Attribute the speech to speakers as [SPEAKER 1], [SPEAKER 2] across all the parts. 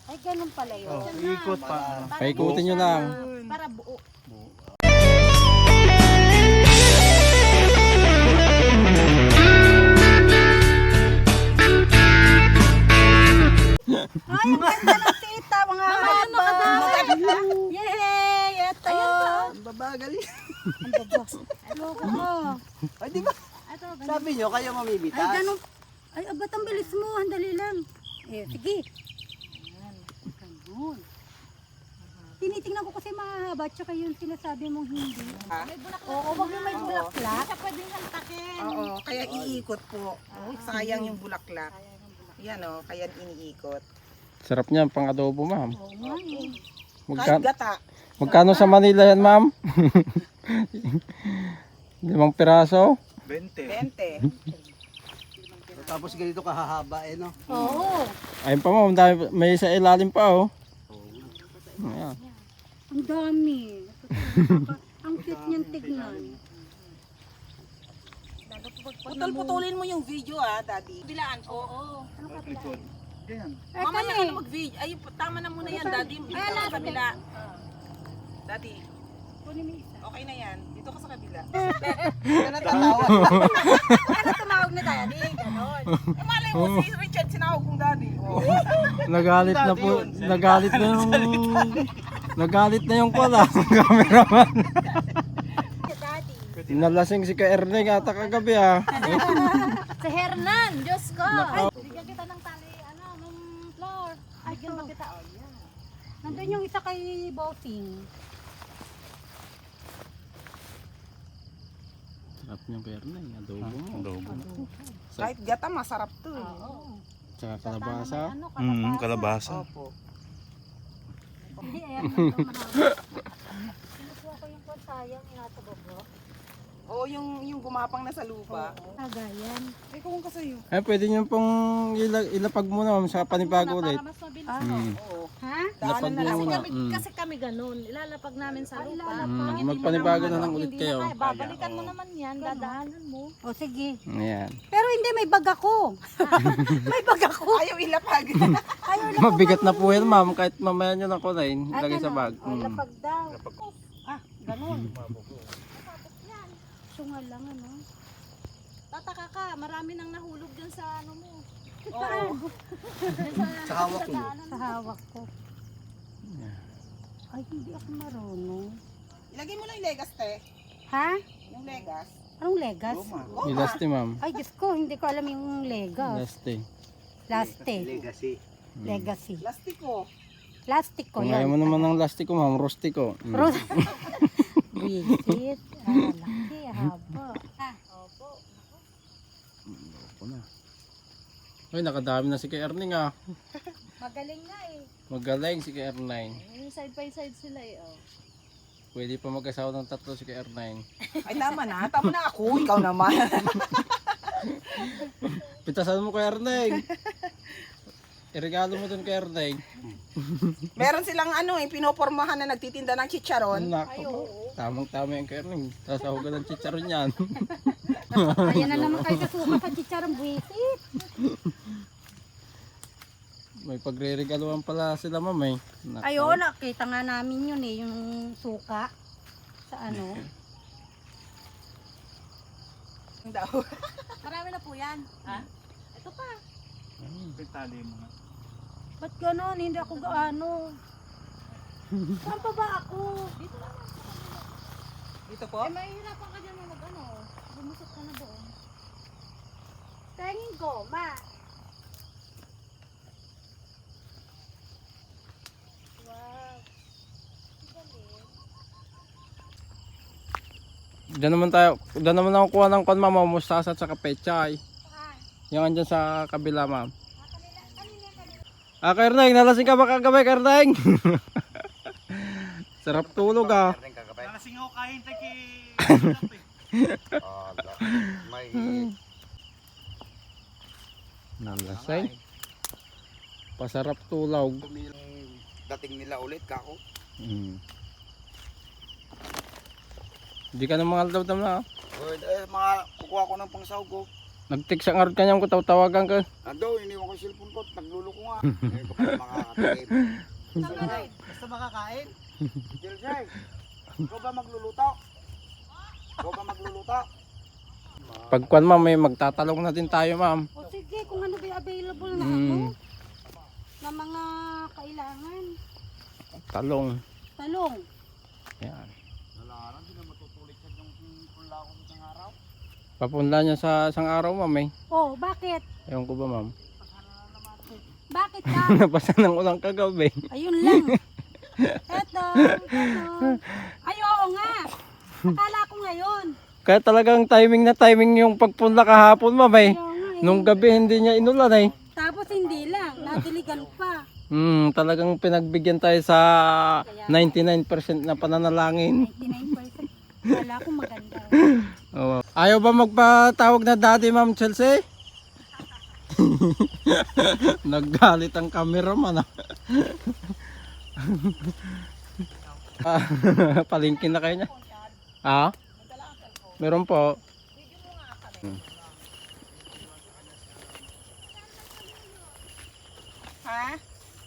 [SPEAKER 1] Ay, ganun pala yun.
[SPEAKER 2] Oh, ikot pa.
[SPEAKER 3] Paikutin nyo lang.
[SPEAKER 1] Para buo. Ay, ang ganda ng tita, mga haba. Yay! Ito.
[SPEAKER 2] Ang babagal yan.
[SPEAKER 1] Ang babas. Loko ko.
[SPEAKER 2] Ay, di ba?
[SPEAKER 1] Ito, ganun.
[SPEAKER 2] Sabi nyo, kayo mamimitas.
[SPEAKER 1] Ay, ganun. Ay, ba't ang bilis mo? Handali lang. Eh, sige. Ayan, ganun. Tinitingnan ko kasi mahaba, tsaka yung sinasabi mong hindi.
[SPEAKER 4] May bulaklak.
[SPEAKER 1] Oo, wag yung may bulaklak.
[SPEAKER 4] Hindi siya pwedeng hantakin.
[SPEAKER 5] Oo, kaya iikot po. Sayang yung bulaklak. Yan o, kaya iniikot.
[SPEAKER 3] Sarap niyan, pang adobo ma'am.
[SPEAKER 1] Oo nga eh.
[SPEAKER 5] Kahit
[SPEAKER 3] Magka
[SPEAKER 5] gata.
[SPEAKER 3] magkano sa Manila yan ma'am? 5 piraso?
[SPEAKER 5] 20.
[SPEAKER 2] Tapos ganito kahahaba eh, no?
[SPEAKER 1] Oo.
[SPEAKER 3] Ayun pa ma'am, dami, may sa ilalim pa oh. Ayan.
[SPEAKER 1] Ang dami. Ang cute niyang tignan.
[SPEAKER 5] Putol-putulin mo yung video daddy. Bilaan po. Oo.
[SPEAKER 1] Ay,
[SPEAKER 5] Mamaya
[SPEAKER 1] kami.
[SPEAKER 5] ka na mag-video. Ay, tama na muna yan daddy. Dito ka sa kabila. Daddy,
[SPEAKER 1] Kunin mo isa.
[SPEAKER 5] okay na yan. Dito ka sa kabila.
[SPEAKER 1] Ano tumawag na tayo? Di, ganon.
[SPEAKER 5] Malay mo si Richard sinawag kong daddy. Oh.
[SPEAKER 3] Nagalit na po, nagalit na yung nagalit na yung pala, cameraman.
[SPEAKER 1] Daddy.
[SPEAKER 3] Nalasing si Ka Erneng ata kagabi ah.
[SPEAKER 4] Si Hernan, Diyos ko.
[SPEAKER 3] Nako.
[SPEAKER 4] Bigyan kita ng tali, ng floor. Ay,
[SPEAKER 1] Ito.
[SPEAKER 4] gano'n kita. Oh, yan.
[SPEAKER 1] Nandun yung isa kay Bossing.
[SPEAKER 3] Sarap niyang Ka Erneng, adobo mo.
[SPEAKER 5] Kahit gata, masarap to.
[SPEAKER 1] Oo.
[SPEAKER 3] Tsaka kalabasa.
[SPEAKER 4] Kalabasa.
[SPEAKER 5] Opo.
[SPEAKER 1] Ay, ayan na ito, marami. Kinukuha ko yung sayang, inatabobo.
[SPEAKER 5] Oo, yung gumapang na sa lupa.
[SPEAKER 1] Agayan.
[SPEAKER 5] Ay, kung kasayo.
[SPEAKER 3] Ay, pwede niyo pong ilapag muna ma'am sa panibago ulit.
[SPEAKER 4] Para mas mabilis.
[SPEAKER 5] Oo.
[SPEAKER 1] Ha?
[SPEAKER 3] Lapag
[SPEAKER 5] na
[SPEAKER 3] niyo
[SPEAKER 5] lang.
[SPEAKER 3] muna.
[SPEAKER 4] Kasi kami ganun. Ilalapag namin sa lupa.
[SPEAKER 3] Magpanibago na lang ulit
[SPEAKER 4] Hindi na
[SPEAKER 3] kayo.
[SPEAKER 4] kaya. Babalikan mo naman yan. Dadaanan mo.
[SPEAKER 1] O sige.
[SPEAKER 3] Ayan.
[SPEAKER 1] Pero hindi, may bag ako. May bag ako.
[SPEAKER 5] Ayaw ilapag.
[SPEAKER 1] Ayaw na
[SPEAKER 3] Mabigat na po yan ma'am, kahit mamaya nyo ng kunain, lagay sa bag.
[SPEAKER 1] O, lapag daw. Ah, ganun. Sungal lang, ano?
[SPEAKER 4] Tataka ka. Marami nang nahulog dyan sa ano mo.
[SPEAKER 5] Oo.
[SPEAKER 2] Sa hawak mo.
[SPEAKER 1] Sa hawak ko. Ay, hindi ako marunong.
[SPEAKER 5] Ilagay mo lang yung legas, te.
[SPEAKER 1] Ha?
[SPEAKER 5] Yung legas.
[SPEAKER 1] Anong legas?
[SPEAKER 3] Ilasti ma'am.
[SPEAKER 1] Ay, Diyos ko, hindi ko alam yung legas.
[SPEAKER 3] Ilasti.
[SPEAKER 1] Plastic.
[SPEAKER 2] Legacy.
[SPEAKER 1] Legacy.
[SPEAKER 5] Plastiko.
[SPEAKER 1] Plastic ko
[SPEAKER 3] Kung ayaw
[SPEAKER 1] yan.
[SPEAKER 3] mo naman ng lastiko ma'am, rustiko.
[SPEAKER 1] Rose. Visit. Ah, laki, haba. Ah,
[SPEAKER 4] Opo.
[SPEAKER 3] Opo na. Ay, nakadami na si Ka Erneng ah.
[SPEAKER 1] magaling nga eh.
[SPEAKER 3] Magaling si Ka Erneng.
[SPEAKER 4] Yung side by side sila eh. Oh.
[SPEAKER 3] Pwede pa mag-asawa ng 3 si Ka Erneng.
[SPEAKER 5] Ay, tama na. Tama na ako. Ikaw naman.
[SPEAKER 3] Pitasan mo Ka Erneng. Iregalo mo dun Ka Erneng.
[SPEAKER 5] Meron silang pinopormahan na nagtitinda ng chicharon.
[SPEAKER 3] Nako. Tamang-tama yung Ka Erneng. Sasahugan ng chicharon yan.
[SPEAKER 1] Ayan na naman kayo kasuka sa chicharong buwisit.
[SPEAKER 3] May pagre-regaluhan pala sila ma'am eh. Nako.
[SPEAKER 1] Ayun, nakita nga namin yun eh, yung suka. Sa ano.
[SPEAKER 5] Daw.
[SPEAKER 4] Marami na po yan. Ha? Ito pa.
[SPEAKER 1] Ba't ganon? Hindi ako gaano. Saan pa ba ako?
[SPEAKER 4] Dito lang.
[SPEAKER 5] Dito po.
[SPEAKER 4] Eh, mahihirapan ka dyan mag-ano. Bumusot ka na doon.
[SPEAKER 1] Tingin ko, ma. Wow.
[SPEAKER 3] Diyan naman ako kuha ng kon ma'am, mustasa at saka pechay. Yung andyan sa kabila ma'am. Ka Erneng, nalasing ka ba kagabi Ka Erneng? Sarap tulog ah.
[SPEAKER 2] Nalasing ako kahintay kay...
[SPEAKER 6] May
[SPEAKER 3] Nalasing. Pasarap tulog.
[SPEAKER 6] dating nila ulit kako.
[SPEAKER 3] Hindi ka na mga aldab na.
[SPEAKER 6] Mga kukuha ko ng pangsahog ko.
[SPEAKER 3] Nag-text ang arot kanyang ko tawagan ka.
[SPEAKER 6] Ando, iniwan ko yung cellphone ko. Nagluloko nga. Ngayon ko pala makakatip.
[SPEAKER 2] Basta makakain.
[SPEAKER 6] Jelsay, ikaw ba magluluto? Ikaw ba magluluto?
[SPEAKER 3] Pagkuan ma'am, may magtatalong na din tayo ma'am.
[SPEAKER 1] O sige, kung ano ba yung available na na mga kailangan.
[SPEAKER 3] Talong.
[SPEAKER 1] Talong.
[SPEAKER 3] Yan.
[SPEAKER 6] Wala na, hindi na matutulik sa yung pula ko isang araw.
[SPEAKER 3] Papunla niya sa isang araw ma'am eh.
[SPEAKER 1] Oh, bakit?
[SPEAKER 3] Ewan ko ba ma'am.
[SPEAKER 1] Bakit ka?
[SPEAKER 3] Nabasa ng ulang kagabi.
[SPEAKER 1] Ayun lang. Eto. Ay, oo nga. Akala ko ngayon.
[SPEAKER 3] Kaya talagang timing na timing yung pagpunla kahapon ma'am eh.
[SPEAKER 1] Ayaw nga eh.
[SPEAKER 3] Nung gabi hindi niya inulan eh.
[SPEAKER 1] Tapos hindi lang. Nadiligan pa.
[SPEAKER 3] Talagang pinagbigyan tayo sa 99% na pananalangin.
[SPEAKER 1] 99%. Wala ko maganda.
[SPEAKER 3] Oo. Ayaw ba magpatawag na daddy ma'am Chelsea? Naggalit ang cameraman ah. Palingkin na kayo niya. Ah? Meron po.
[SPEAKER 5] Ha?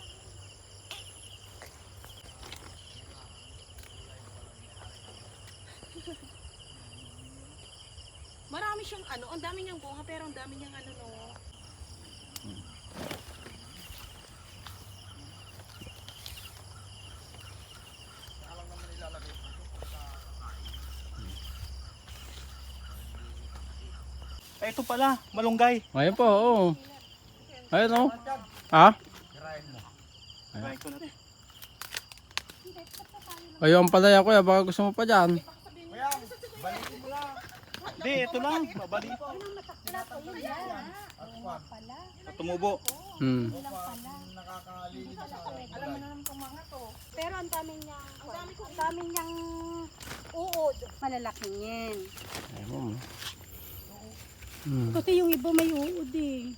[SPEAKER 4] Marami siyang ano, ang dami niyang bunga pero ang dami niyang ano no.
[SPEAKER 2] Ay, ito pala, malunggay.
[SPEAKER 3] Ayun po, oo. Ayun oh. Ha?
[SPEAKER 2] Try ko na to.
[SPEAKER 3] Ayun ang palaya kuya, baka gusto mo pa dyan.
[SPEAKER 2] Hindi, ito lang. Babalik. Tumubo.
[SPEAKER 1] Pero ang dami niyang uod. Malalaking yan.
[SPEAKER 3] Ayun.
[SPEAKER 1] Kasi yung iba may uod eh.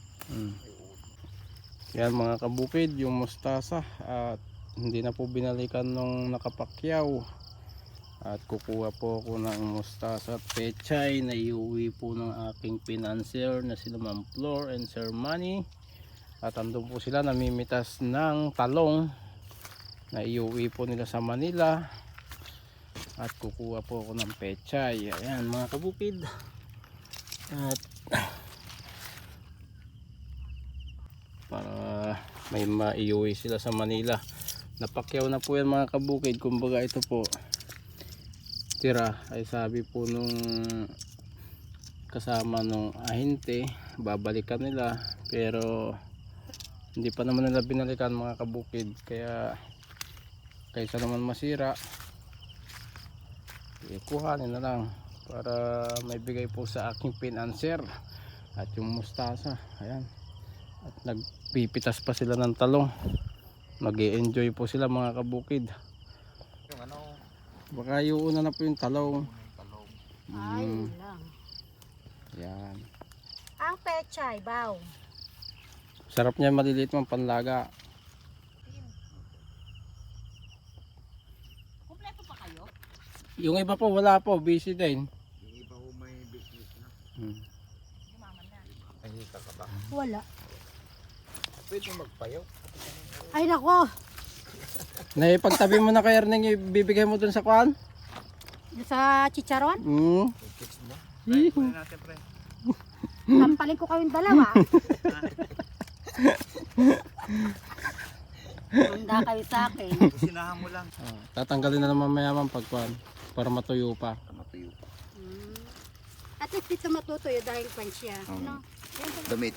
[SPEAKER 3] Yan mga kabukid, yung mustasa at hindi na po binalikan nung nakapakyaw. At kukuha po ako ng mustasa at pechay na iuwi po ng aking financier na sila Ma'am Flor and Sir Manny. At andun po sila namimitas ng talong na iuwi po nila sa Manila. At kukuha po ako ng pechay. Ayan mga kabukid. At para may maiuwi sila sa Manila. Napakyaw na po yan mga kabukid. Kumbaga ito po tira ay sabi po nung kasama nung ahente babalikan nila pero hindi pa naman nila binalikan mga kabukid, kaya kaysa naman masira kuhanin na lang para may bigay po sa aking financier. At yung mustasa ayan, at nagpipitas pa sila ng talong, mag-i-enjoy po sila mga kabukid.
[SPEAKER 6] Yung ano,
[SPEAKER 3] Baka iuuna na po yung talong.
[SPEAKER 1] Ay, lang.
[SPEAKER 3] Yan.
[SPEAKER 1] Ang pechay, baw.
[SPEAKER 3] Sarap niya, maliliit mang panlaga.
[SPEAKER 4] Kumpleto pa kayo?
[SPEAKER 3] Yung iba po wala po, busy din.
[SPEAKER 6] yung iba ko may business na.
[SPEAKER 4] Yumaman na.
[SPEAKER 6] Ay, hika ka ba?
[SPEAKER 1] Wala.
[SPEAKER 6] Pwede magpayaw.
[SPEAKER 1] Ay, nako.
[SPEAKER 3] Naipagtabi mo na kay Erneng, ibibigay mo dun sa kwan?
[SPEAKER 1] Sa chicharon,
[SPEAKER 6] Fix mo.
[SPEAKER 2] Kunin natin, pre.
[SPEAKER 1] sampalin ko kayong dalawa. Handa kayo sa akin.
[SPEAKER 2] Kusinahan mo lang.
[SPEAKER 3] Tatanggalin na naman mayaman pagkwan para matuyo pa.
[SPEAKER 6] Matuyo pa.
[SPEAKER 1] At least dito matutuyo dahil pan siya. No?
[SPEAKER 6] Damit.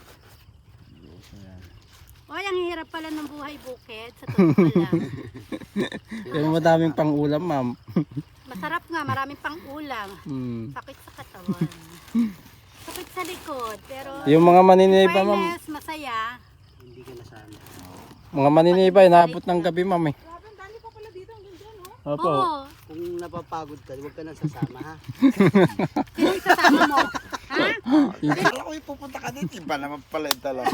[SPEAKER 1] Ay, ang hirap pala ng buhay bukid. Sa totoo lang.
[SPEAKER 3] Pero madaming pang ulam ma'am.
[SPEAKER 1] Masarap nga, maraming pang ulam. Sakit sa katawan. Sakit sa likod. Pero
[SPEAKER 3] Yung mga maniniba ma'am,
[SPEAKER 1] fairness, masaya.
[SPEAKER 2] Hindi ka nasama.
[SPEAKER 3] mga maniniba inaabot ng gabi ma'am eh.
[SPEAKER 4] Grabe, ang dami pa pala dito hanggang dyan, oh.
[SPEAKER 3] Opo.
[SPEAKER 1] Oo.
[SPEAKER 2] Kung napapagod ka, huwag ka nang sasama, ha?
[SPEAKER 1] Sino isasama mo? Ha?
[SPEAKER 6] Akala ko ipupunta ka dito. Iba naman pala yung talo.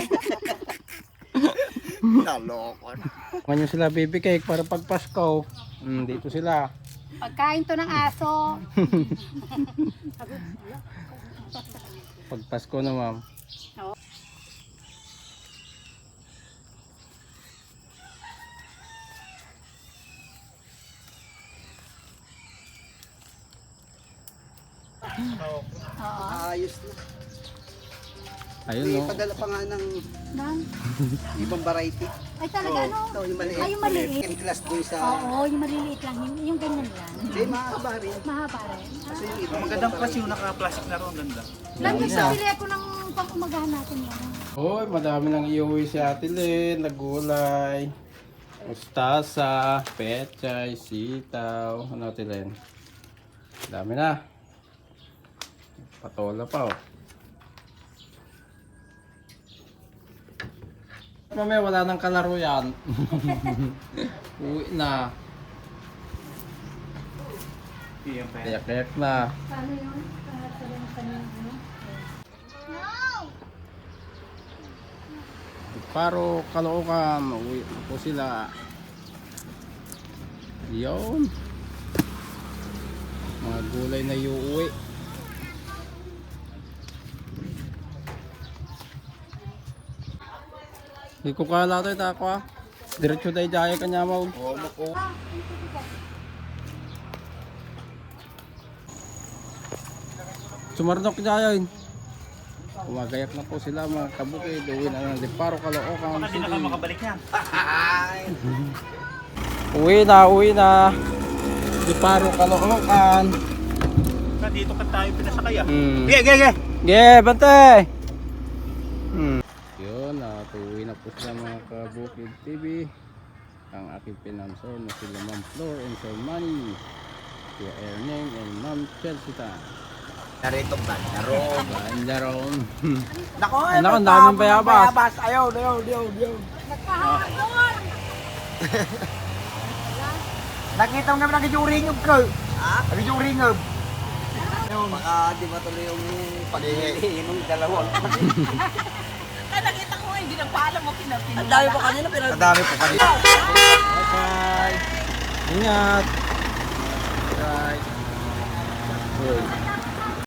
[SPEAKER 6] Naloko na.
[SPEAKER 3] Kung sila baby cake para pag Pasko. Dito sila.
[SPEAKER 1] Pagkain to ng aso.
[SPEAKER 3] Pag Pasko na, ma'am.
[SPEAKER 1] Oo.
[SPEAKER 2] Ayos na.
[SPEAKER 3] Ayun,
[SPEAKER 2] May
[SPEAKER 3] no?
[SPEAKER 2] padala pa nga ng
[SPEAKER 1] Nang,
[SPEAKER 2] ibang variety.
[SPEAKER 1] ay talaga ano?
[SPEAKER 2] Ito, yung maliit.
[SPEAKER 1] Ay, yung maliit.
[SPEAKER 2] In class doon sa...
[SPEAKER 1] Oo, yung maliliit lang. Yung ganyan lang.
[SPEAKER 2] Hindi, mahaba rin.
[SPEAKER 1] Mahaba rin.
[SPEAKER 2] Kasi yung iba,
[SPEAKER 6] Magandang klase yung naka-plastic na ron, ganda.
[SPEAKER 1] Lang yung
[SPEAKER 3] Isa.
[SPEAKER 1] pabili ako ng pang-umagahan natin yan.
[SPEAKER 3] Hoy, madami nang iuwi si Ate Lynn. Nagulay. Mustasa, pechay, sitaw. Ano, Ate Lynn? Dami na. Patola pa, oh. Mamaya wala nang kalaro yan. Uwi na. Kayak-kayak na.
[SPEAKER 1] Paano yun? Para sa lang kanyang ano?
[SPEAKER 3] Paro, Caloocan, uwi na po sila. Yun. Mga gulay na iuwi. Hindi ko kala ito ako ah. Diretso tayo daya kanya mo. Sumarnok daya yun. Kumagayak na po sila mga kabukid. Uwi na ng Paro, Caloocan.
[SPEAKER 6] Hindi na ka makabalik yan.
[SPEAKER 3] Uwi na. Paro, Caloocan.
[SPEAKER 6] Dito ka tayo pinasakay ah.
[SPEAKER 3] Ge, ge, ge. Ge, bantay. Yun, uwi na po sila mga kabukid TV. Ang aking pinansor na sila Ma'am Flor and Sir Manny. Kuya Erneng and Ma'am Chelsea Tan.
[SPEAKER 6] Narito ba? Naroon.
[SPEAKER 3] Bandaron.
[SPEAKER 6] Nako,
[SPEAKER 3] Nako, ang daming bayabas.
[SPEAKER 6] Ayaw. Nakita mo kami nag-juringog ko. Ha? Nag-juringog.
[SPEAKER 2] baka di ba tuloy yung pag-ihi ng dalawang.
[SPEAKER 4] Ay, nakita ko nga, hindi nagpaalam mo pinapin.
[SPEAKER 5] Ang dami pa kanina, pero
[SPEAKER 6] Madami po kanina.
[SPEAKER 3] Bye-bye. Ingat.